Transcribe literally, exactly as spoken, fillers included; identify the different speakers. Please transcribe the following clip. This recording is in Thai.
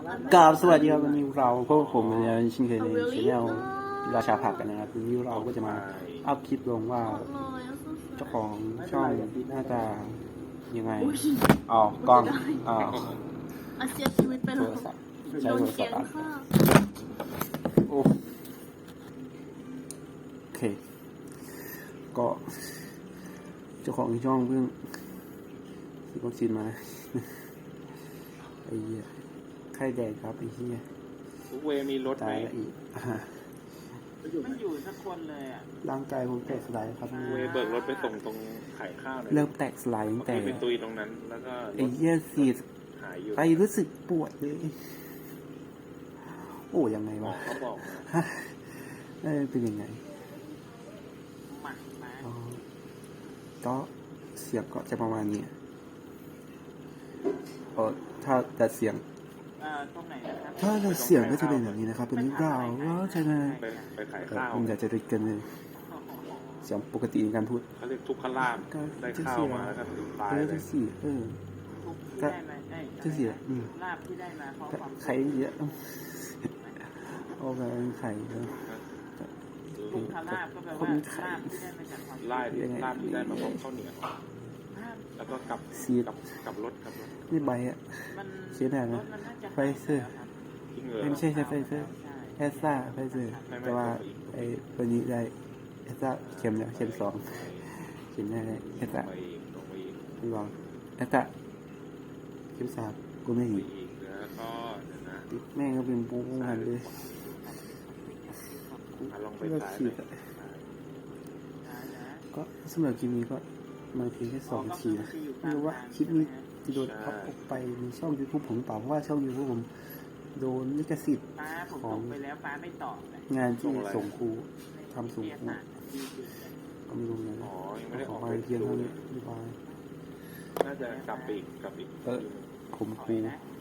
Speaker 1: กราบสวัสดีครับวันนี้เราพวกผมเนี่ยชินเคยในชแนลราชาผักกันนะครับวันนี้เราก็จะมาอัพคลิปลงว่าเจ้าของช่องหน้าตายังไงอ๋อกล้องอ๋อ
Speaker 2: อาเสียชีวิตไป
Speaker 1: โท
Speaker 2: แล้ว
Speaker 1: รศัพท์ใช้
Speaker 2: โดน
Speaker 1: โทรศั
Speaker 2: เสี
Speaker 1: พ
Speaker 2: ยง
Speaker 1: ท์อัด
Speaker 2: ฆ่า
Speaker 1: โอ้โอเคก็เจ้าของช่องเพิ่งฉีดวัคซีนมาไอ้เหี้ยไข้แดงครับไอ้เหี้ย
Speaker 3: ทุกเวมีรถไหม
Speaker 1: ตายละอีกอ่า
Speaker 4: ไม่อยู่สักคนเลยอ่ะ
Speaker 1: ร่างกายผมแตกสลายครับ
Speaker 3: เวเบิกรถไปส่งตรงไข่ข้าวเลย
Speaker 1: เริ่มแตกสลายตั้งแต่
Speaker 3: ที่ไปตุยตรงนั้นแล้วก็
Speaker 1: ไอ้เหี้ยสีด
Speaker 3: หายอยู่
Speaker 1: ไปรู้สึกปวดเลยโอ้ยังไง
Speaker 3: หมอ
Speaker 1: วะ
Speaker 3: เขาบอก
Speaker 1: ฮะเออเป็นยังไง
Speaker 4: หมักมา
Speaker 1: อ๋อก็เสียงก็จะประมาณนี้เออถ้าแต่เสียง
Speaker 4: เอ่อตรงไหนนะครับ
Speaker 1: ถ้าแต่เสียงก็จะเป็นแบบนี้นะครับเป็นนิ้วดาวก็จะมา
Speaker 3: ไปไปขาย
Speaker 1: เออ
Speaker 3: ข้าว
Speaker 1: ผมอยากจะริดกันเลยเสียงปกติในการพูด
Speaker 3: เขาเรียกทุกขลาบได้ข้าวมาแล้วก็ถึงตาย
Speaker 1: เออ
Speaker 3: เล
Speaker 1: จะ
Speaker 3: ย
Speaker 1: สี่เออ
Speaker 4: ทุกที่ได้มาเอ้ย
Speaker 1: จะเสียอืม
Speaker 4: ลาบที่ได้มาเพราะความ
Speaker 1: ไข่เยอะโอ้แบบไข่เยอะ
Speaker 4: ทุกขลาบก็แปลว่าลาบที่ได้มาจากความ
Speaker 3: ลาบลาบที่ได้มาพร้อมข้าวเหนียว
Speaker 4: ลาบ
Speaker 3: แล้วก็กับ
Speaker 1: ซีด
Speaker 3: กับกับรถกับรถ
Speaker 1: นี่ใบอ่ะ
Speaker 4: มัน
Speaker 1: เสียดายนะ
Speaker 4: รถมันน่าจะ
Speaker 1: ไฟเซอร์
Speaker 3: ที่เหงือ
Speaker 1: ไม่ใช่ใช่ไฟเซอร์แอสซ่าไฟเซอร์แต่ว่าไอ้ตัวนี้ได้แอสซ่าเข็มแล้วเข็มสองเข็มแรกได้แอสซ่า
Speaker 3: ไปอีกลงไปอีก
Speaker 1: ไม่ลองแอสซ่าเข็มสามกูไม่
Speaker 3: ไป
Speaker 1: เห็น
Speaker 3: อีกแล้วก็เดี๋ยวนะ
Speaker 1: ติดแม่งก็เป็นปูหันเลย
Speaker 3: อ่ะลองไป
Speaker 1: ก็
Speaker 3: ซ้าย
Speaker 1: ขีด
Speaker 3: เลย
Speaker 1: อะก็สำหรับคลิปนี้ก็มาเพียงแค่สองทีนะไม่รู้ว่าคลิปนี้จะโดนพับออกไปในช่อง YouTube ผมเปล่าเพราะว่าช่อง YouTube ผมโดนลิขสิทธิ์
Speaker 4: ป้าผมส่งไปแล้วป้าไม่ตอบเลย
Speaker 1: งานที่ส่งครูทำส่งครูก็ไม่รู้นะ
Speaker 3: อ๋อยังไม่ได้
Speaker 1: ข
Speaker 3: อ
Speaker 1: อ
Speaker 3: อก
Speaker 1: ไป
Speaker 3: ไป
Speaker 1: เพียงเท่านี้บ๊ายบาย
Speaker 3: น่าจะกลับไปอีกกลับอีก
Speaker 1: เออผมครู
Speaker 4: นะ